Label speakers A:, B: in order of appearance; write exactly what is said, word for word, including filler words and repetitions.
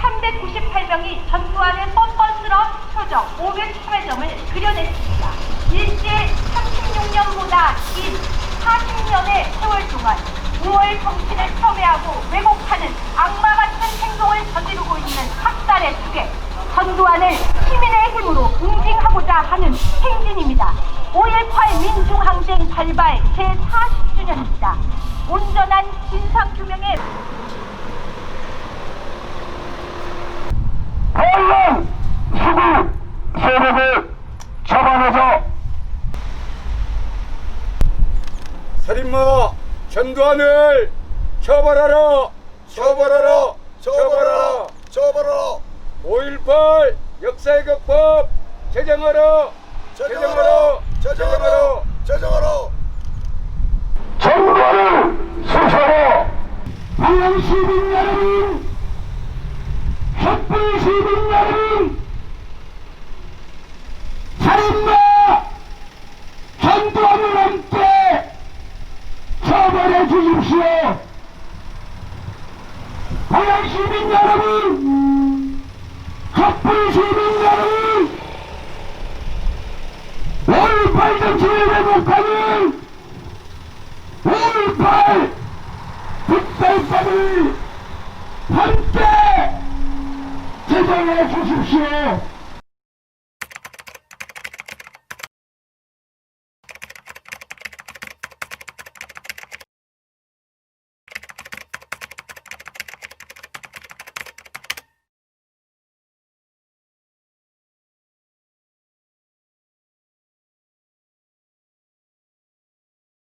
A: 삼백구십팔 명이 전두환의 뻔뻔스러운 표정 오백삼 점을 그려냈습니다. 일제 삼십육 년보다 긴 사십 년의 세월 동안 우월 정신을 폄훼하고 왜곡하는 악마 같은 행동을 저지르고 있는 학살의 tuk에 전두환을 시민의 힘으로 응징하고자 하는 행진입니다. 오일팔 민중항쟁 발발 제사십 주년입니다. 온전한 진상규명의
B: 반란 수구 세력을 잡아내서 살인마 전두환을 처벌하라 처벌하라 처벌하라 처벌하라 오일팔 역사의 극법 제정하라 제정하라 제정하라 제정하라 전두환을 수사하라 반란 시민 여러분 촛불 시민 여러분 살인마 전두환을 함께 처벌해 주십시오. 고향 시민 여러분 촛불 시민 여러분 오일팔 정치를 왜곡하는 오일팔 특별법을 함께 제정해 주십시오.